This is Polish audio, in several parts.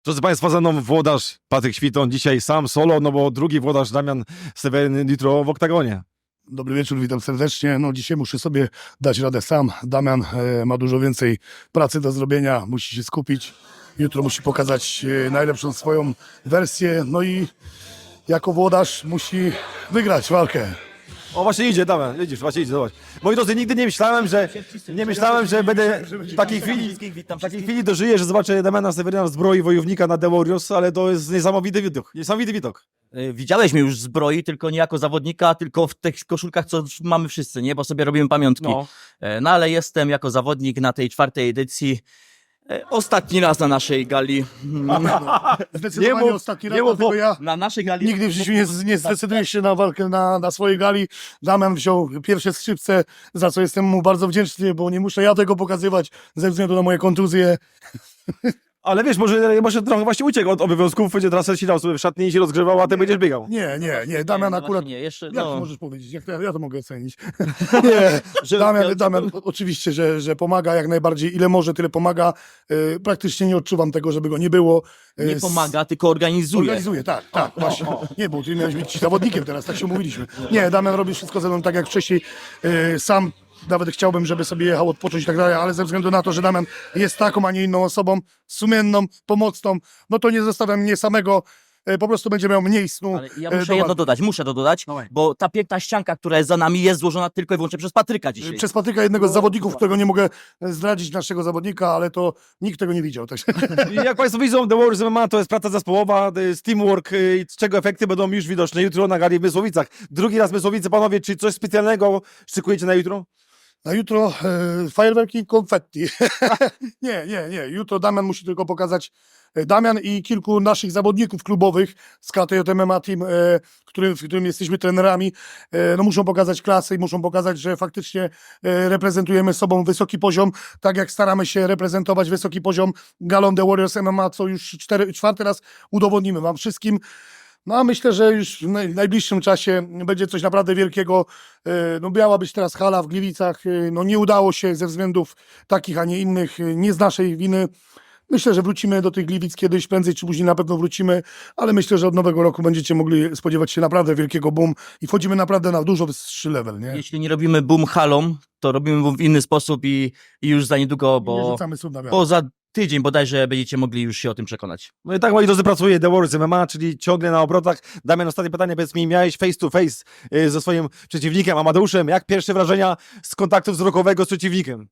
Drodzy Państwo, ze mną włodarz Patryk Świton, dzisiaj sam solo, no bo drugi włodarz Damian Seweryn jutro w oktagonie. Dobry wieczór, witam serdecznie. No dzisiaj muszę sobie dać radę sam. Damian ma dużo więcej pracy do zrobienia, musi się skupić. Jutro musi pokazać najlepszą swoją wersję, no i jako włodarz musi wygrać walkę. O, właśnie idzie, Damian, widzisz, właśnie idzie, zobacz. Moi drodzy, nigdy nie myślałem, że będę w takiej chwili dożyję, że zobaczę Damiana Seweryna w zbroi wojownika na The Warriors, ale to jest niesamowity widok. Widziałeś mnie już w zbroi, tylko nie jako zawodnika, tylko w tych koszulkach, co mamy wszyscy, nie? Bo sobie robimy pamiątki. No. No ale jestem jako zawodnik na tej 4. edycji. Ostatni raz na naszej gali. Zdecydowanie ostatni raz, dlatego ja Na naszej gali. nigdy w życiu nie zdecyduję się na walkę na swojej gali. Damian wziął pierwsze skrzypce, za co jestem mu bardzo wdzięczny, bo nie muszę ja tego pokazywać ze względu na moje kontuzje. Ale wiesz, może trochę właśnie uciekł od obowiązków, będzie teraz siedział sobie w szatni i się rozgrzewał, a ty będziesz biegał. Nie, Damian no akurat... właśnie nie, jeszcze, Jak no. możesz powiedzieć? Jak ja to mogę ocenić? Nie, Damian oczywiście, że pomaga jak najbardziej. Ile może, tyle pomaga. Praktycznie nie odczuwam tego, żeby go nie było. Nie pomaga, tylko organizuje. Organizuje, tak, właśnie. Nie, bo ty miałeś być zawodnikiem teraz, tak się umówiliśmy. Nie, Damian robi wszystko ze mną tak jak wcześniej. Sam nawet chciałbym, żeby sobie jechał odpocząć i tak dalej, ale ze względu na to, że Damian jest taką, a nie inną osobą, sumienną, pomocną, no to nie zostawiam mnie samego. Po prostu będzie miał mniej snu. Ale ja muszę to dodać, Dawaj. bo ta piękna ścianka, która jest za nami, jest złożona tylko i wyłącznie przez Patryka dzisiaj. Przez Patryka, jednego z zawodników, którego nie mogę zdradzić naszego zawodnika, ale to nikt tego nie widział. Tak. I jak Państwo widzą, The Warriors MMA to jest praca zespołowa, to jest teamwork, z czego efekty będą już widoczne jutro na gali w Mysłowicach. Drugi raz Mysłowice, panowie, czy coś specjalnego szykujecie na jutro? Na jutro fajerwerki i konfetti. Nie. Jutro Damian musi tylko pokazać, Damian i kilku naszych zawodników klubowych z KTJ MMA Team, w którym jesteśmy trenerami, no muszą pokazać klasę i muszą pokazać, że faktycznie reprezentujemy sobą wysoki poziom, tak jak staramy się reprezentować wysoki poziom galą The Warriors MMA, co już czwarty raz udowodnimy wam wszystkim. No a myślę, że już w najbliższym czasie będzie coś naprawdę wielkiego. No miała być teraz hala w Gliwicach, no nie udało się ze względów takich, a nie innych, nie z naszej winy. Myślę, że wrócimy do tych Gliwic kiedyś, prędzej czy później na pewno wrócimy, ale myślę, że od nowego roku będziecie mogli spodziewać się naprawdę wielkiego boom i wchodzimy naprawdę na dużo wyższy level, nie? Jeśli nie robimy boom halą, to robimy boom w inny sposób i już za niedługo, Nie bo rzucamy słów na wiatr. za tydzień bodajże będziecie mogli już się o tym przekonać. No i tak, moi drodzy, pracuje The Warriors MMA, czyli ciągle na obrotach. Damian, ostatnie pytanie, powiedz mi, miałeś face to face ze swoim przeciwnikiem, Amadeuszem. Jak pierwsze wrażenia z kontaktu wzrokowego z przeciwnikiem?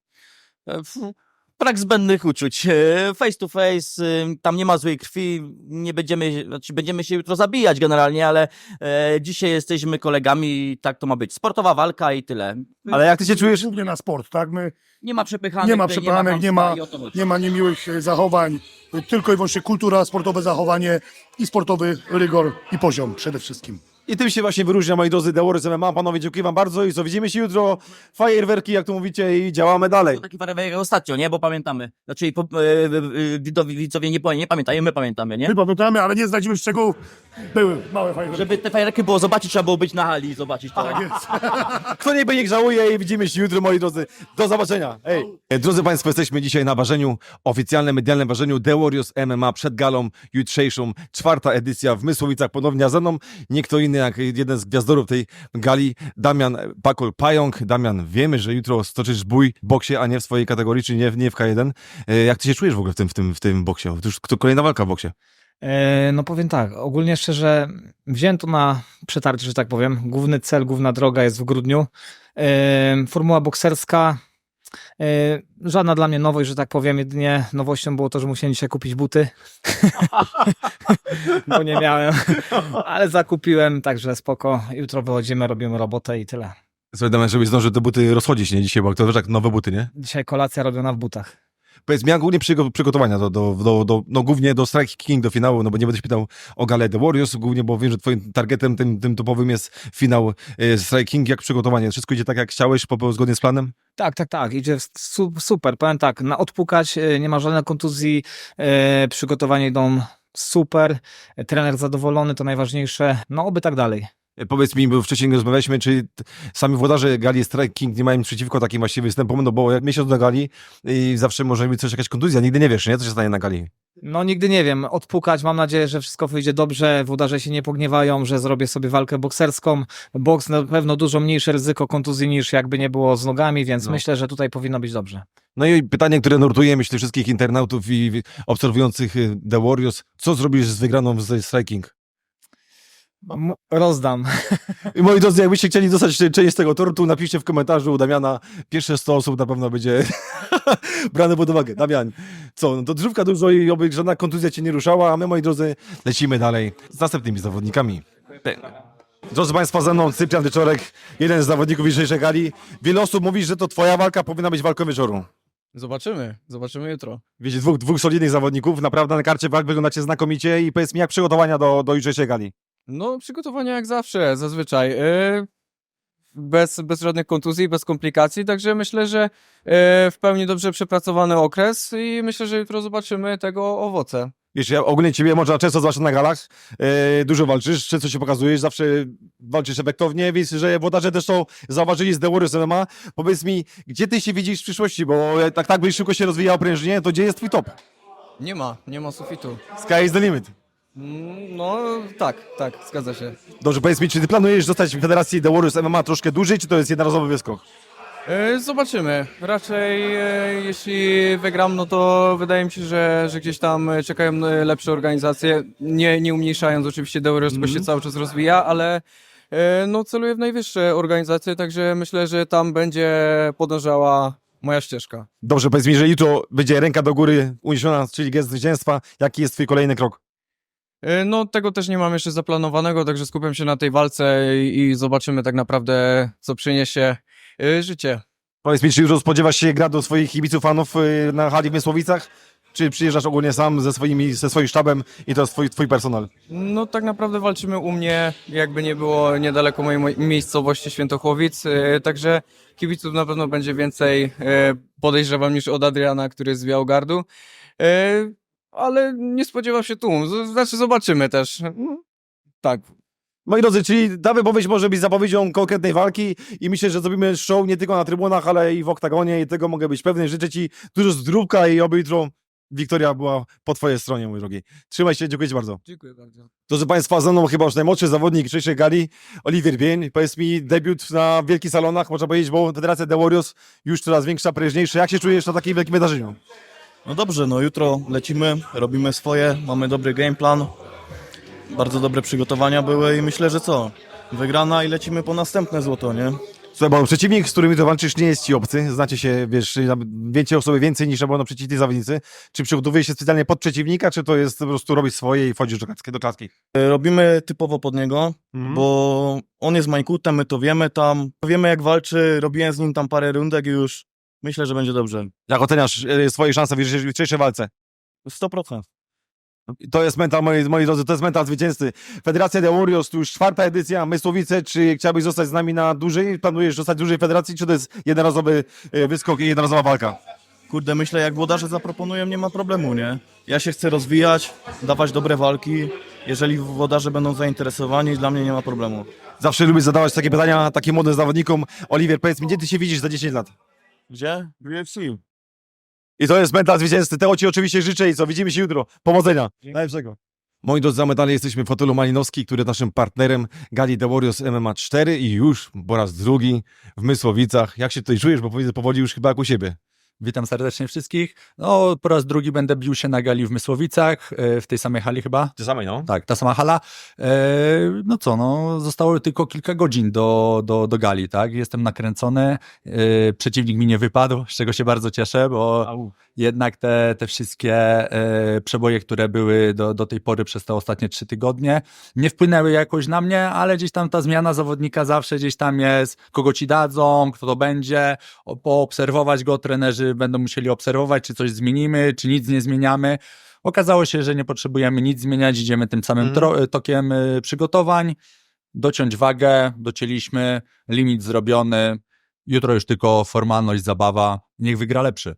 Brak zbędnych uczuć. Face to face, tam nie ma złej krwi, nie będziemy, znaczy będziemy się jutro zabijać generalnie, ale dzisiaj jesteśmy kolegami i tak to ma być. Sportowa walka i tyle. Ale jak ty się czujesz? Głównie na sport, tak? Nie ma przepychanek, Nie ma przepychanek, kłamstwa i o to chodzi. nie ma niemiłych zachowań, tylko i wyłącznie kultura, sportowe zachowanie i sportowy rygor i poziom przede wszystkim. I tym się właśnie wyróżnia, moi drodzy, The Warriors MMA. Panowie, dziękuję wam bardzo i co, widzimy się jutro, fajerwerki, jak to mówicie, i działamy dalej. To taki fajerwerek jak ostatnio, nie? Bo pamiętamy. Znaczy widzowie nie pamiętają, my pamiętamy, nie? My pamiętamy, ale nie zdradzimy szczegółów. Były małe fajne. Żeby te fajerwerki było zobaczyć, trzeba było być na hali i zobaczyć to. Tak jest. Kto niech żałuje i widzimy się jutro, moi drodzy. Do zobaczenia. Hej. Drodzy Państwo, jesteśmy dzisiaj na ważeniu, oficjalnym, medialnym ważeniu The Warriors MMA przed galą jutrzejszą. 4. edycja w Mysłowicach. Ponownie ze mną nie kto inny jak jeden z gwiazdorów tej gali, Damian Pakol-Pająk. Damian, wiemy, że jutro stoczysz bój w boksie, a nie w swojej kategorii, czy nie w K1. Jak ty się czujesz w ogóle w tym boksie? To już kolejna walka w boksie. No powiem tak, ogólnie szczerze wziąłem to na przetarcie, że tak powiem. Główny cel, główna droga jest w grudniu. Formuła bokserska, żadna dla mnie nowość, że tak powiem. Jedynie nowością było to, że musiałem dzisiaj kupić buty, bo nie miałem, ale zakupiłem, także spoko. Jutro wychodzimy, robimy robotę i tyle. Słuchaj, Damian, żebyś zdążył te buty rozchodzić, nie dzisiaj, bo to wiesz, jak nowe buty, nie? Dzisiaj kolacja robiona w butach. Powiedz mi, jak głównie przygotowania no głównie do Strike King, do finału, no bo nie będę się pytał o galę The Warriors, głównie, bo wiem, że twoim targetem, tym topowym jest finał Strike King. Jak przygotowanie? Wszystko idzie tak, jak chciałeś, zgodnie z planem? Tak, idzie super. Powiem tak, na odpukać, nie ma żadnej kontuzji, przygotowania idą super, trener zadowolony, to najważniejsze, no oby tak dalej. Powiedz mi, bo wcześniej rozmawialiśmy, czy sami włodarze gali Strike King nie mają nic przeciwko takim właściwie występom, no bo jak miesiąc do gali i zawsze może być coś, jakaś kontuzja, nigdy nie wiesz, nie? Co się stanie na gali. No nigdy nie wiem, odpukać, mam nadzieję, że wszystko wyjdzie dobrze, włodarze się nie pogniewają, że zrobię sobie walkę bokserską. Boks na pewno dużo mniejsze ryzyko kontuzji niż jakby nie było z nogami, więc No. myślę, że tutaj powinno być dobrze. No i pytanie, które nurtuje, myślę, wszystkich internautów i obserwujących The Warriors. Co zrobisz z wygraną z Striking? Rozdam. I moi drodzy, jakbyście chcieli dostać część z tego tortu, napiszcie w komentarzu u Damiana. Pierwsze 100 osób na pewno będzie brane pod uwagę. Damian, co? No to drzówka dużo i oby żadna kontuzja cię nie ruszała, a my, moi drodzy, lecimy dalej z następnymi zawodnikami. Drodzy Państwo, ze mną Cyprian Wieczorek, jeden z zawodników dzisiejszej gali. Wiele osób mówi, że to twoja walka powinna być walką wieczoru. Zobaczymy jutro. Wiecie, dwóch solidnych zawodników, naprawdę na karcie walk wyglądacie znakomicie i powiedz mi, jak przygotowania do jutrzejszej gali? No, przygotowania jak zawsze, zazwyczaj. Bez żadnych kontuzji, bez komplikacji, także myślę, że w pełni dobrze przepracowany okres i myślę, że jutro zobaczymy tego owoce. Wiesz, ja ogólnie ciebie można często zobaczyć na galach, dużo walczysz, często się pokazujesz, zawsze walczysz efektownie, więc że włodarze też są zauważyli z The Warriors MMA. Powiedz mi, gdzie ty się widzisz w przyszłości, bo tak byś szybko się rozwijał prężnie, to gdzie jest twój top? Nie ma sufitu. Sky is the limit. No, tak, zgadza się. Dobrze, powiedz mi, czy ty planujesz zostać w federacji The Warriors MMA troszkę dłużej, czy to jest jednorazowy wyskok? Zobaczymy. Raczej jeśli wygram, no to wydaje mi się, że gdzieś tam czekają lepsze organizacje. Nie umniejszając oczywiście The Warriors, bo się cały czas rozwija, ale no celuję w najwyższe organizacje, także myślę, że tam będzie podążała moja ścieżka. Dobrze, powiedz mi, że jutro będzie ręka do góry uniesiona, czyli gest zwycięstwa. Jaki jest twój kolejny krok? No tego też nie mam jeszcze zaplanowanego, także skupiam się na tej walce i zobaczymy tak naprawdę, co przyniesie życie. Powiedz mi, czy już spodziewasz się gra do swoich kibiców, fanów na hali w Mysłowicach? Czy przyjeżdżasz ogólnie sam ze swoim sztabem i to jest twój personal? No tak naprawdę walczymy u mnie, jakby nie było niedaleko mojej miejscowości Świętochłowic, także kibiców na pewno będzie więcej, podejrzewam, niż od Adriana, który jest z Białogardu, ale nie spodziewam się tłum, znaczy zobaczymy też. Tak. Moi drodzy, czyli ta wypowiedź może być zapowiedzią konkretnej walki i myślę, że zrobimy show nie tylko na trybunach, ale i w oktagonie i tego mogę być pewny. Życzę ci dużo zdrówka i oby jutro wiktoria była po twojej stronie, mój drogi. Trzymaj się, dziękuję ci bardzo. Dziękuję bardzo. Proszę Państwa, ze mną chyba już najmłodszy zawodnik dzisiejszej gali, Oliwier Bień. Powiedz mi, debiut na wielkich salonach, można powiedzieć, bo Federacja The Warriors już coraz większa, prężniejsza. Jak się czujesz na takim wielkim wydarzeniu? No dobrze, no jutro lecimy, robimy swoje, mamy dobry game plan, bardzo dobre przygotowania były i myślę, że wygrana i lecimy po następne złoto, nie? Słuchaj, bo przeciwnik, z którym ty walczysz, nie jest ci obcy. Znacie się, wiesz, wiecie o sobie więcej niż na przeciwni zawodnicy. Czy przygotowujesz się specjalnie pod przeciwnika, czy to jest po prostu robić swoje i wchodzisz do klatki? Robimy typowo pod niego, bo on jest Majkutem, my to wiemy tam, wiemy jak walczy, robiłem z nim tam parę rundek i już myślę, że będzie dobrze. Jak oceniasz swoje szanse w jutrzejszej walce? 100%. To jest mental, moi drodzy, to jest mental zwycięzcy. Federacja The Warriors, to już 4. edycja, Mysłowice. Czy chciałbyś zostać z nami na dłużej? Planujesz zostać dłużej w federacji, czy to jest jednorazowy wyskok i jednorazowa walka? Kurde, myślę jak włodarze zaproponują, nie ma problemu, nie? Ja się chcę rozwijać, dawać dobre walki, jeżeli włodarze będą zainteresowani, dla mnie nie ma problemu. Zawsze lubię zadawać takie pytania takim młodym zawodnikom. Oliwier, powiedz mi, gdzie ty się widzisz za 10 lat? Gdzie? W UFC. I to jest mental zwycięzcy. Tego ci oczywiście życzę i co, widzimy się jutro. Powodzenia. Najlepszego. Moi drodzy, za medale jesteśmy w hotelu Malinowski, który jest naszym partnerem gali The Warriors MMA 4 i już po raz drugi w Mysłowicach. Jak się tutaj czujesz, bo powiedzę powoli już chyba jak u siebie. Witam serdecznie wszystkich. No, po raz drugi będę bił się na gali w Mysłowicach, w tej samej hali chyba. Ty samej, no? Tak, ta sama hala. No co, no, zostało tylko kilka godzin do gali, tak? Jestem nakręcony, przeciwnik mi nie wypadł, z czego się bardzo cieszę, bo jednak te wszystkie przeboje, które były do tej pory przez te ostatnie 3 tygodnie, nie wpłynęły jakoś na mnie, ale gdzieś tam ta zmiana zawodnika zawsze gdzieś tam jest, kogo ci dadzą, kto to będzie, poobserwować go, trenerzy będą musieli obserwować, czy coś zmienimy, czy nic nie zmieniamy. Okazało się, że nie potrzebujemy nic zmieniać, idziemy tym samym tokiem przygotowań, dociąć wagę, docięliśmy, limit zrobiony, jutro już tylko formalność, zabawa, niech wygra lepszy.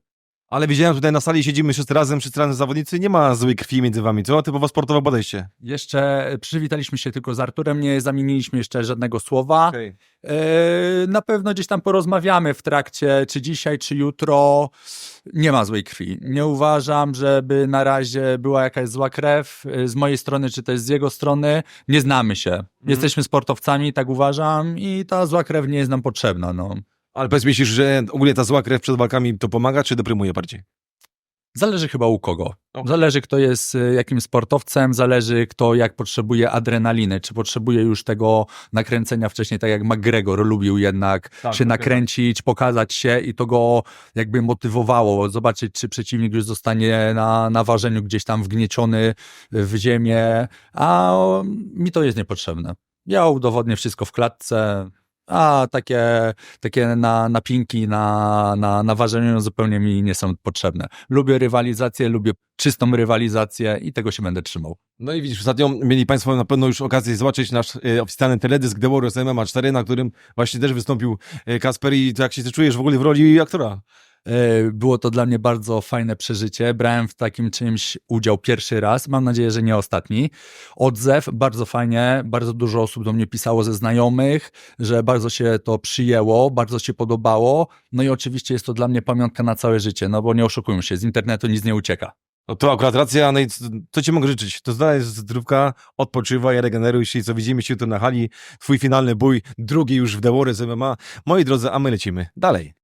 Ale widziałem tutaj na sali, siedzimy wszyscy razem zawodnicy, nie ma złej krwi między wami, co? Typowo sportowe podejście. Jeszcze przywitaliśmy się tylko z Arturem, nie zamieniliśmy jeszcze żadnego słowa. Okay. Na pewno gdzieś tam porozmawiamy w trakcie, czy dzisiaj, czy jutro. Nie ma złej krwi. Nie uważam, żeby na razie była jakaś zła krew z mojej strony, czy też z jego strony. Nie znamy się. Jesteśmy sportowcami, tak uważam, i ta zła krew nie jest nam potrzebna. No. Ale powiedz, myślisz, że ogólnie ta zła krew przed walkami to pomaga, czy deprymuje bardziej? Zależy chyba u kogo. Okay. Zależy, kto jest jakim sportowcem, zależy, kto jak potrzebuje adrenaliny, czy potrzebuje już tego nakręcenia wcześniej, tak jak McGregor lubił jednak się nakręcić, pokazać się, i to go jakby motywowało, zobaczyć, czy przeciwnik już zostanie na ważeniu gdzieś tam wgnieciony w ziemię, a mi to jest niepotrzebne. Ja udowodnię wszystko w klatce, a takie napinki na ważeniu zupełnie mi nie są potrzebne. Lubię rywalizację, lubię czystą rywalizację i tego się będę trzymał. No i widzisz, ostatnio mieli Państwo na pewno już okazję zobaczyć nasz oficjalny teledysk The Warriors MMA 4, na którym właśnie też wystąpił Kasper. I to jak się czujesz w ogóle w roli aktora? Było to dla mnie bardzo fajne przeżycie. Brałem w takim czymś udział pierwszy raz. Mam nadzieję, że nie ostatni. Odzew bardzo fajnie. Bardzo dużo osób do mnie pisało ze znajomych, że bardzo się to przyjęło, bardzo się podobało. No i oczywiście jest to dla mnie pamiątka na całe życie, no bo nie oszukujmy się, z internetu nic nie ucieka. No to akurat racja, no i co ci mogę życzyć? To zdaj zdrówka, odpoczywaj, regeneruj się i co widzimy się jutro na hali. Twój finalny bój, drugi już w The Warriors MMA. Moi drodzy, a my lecimy dalej.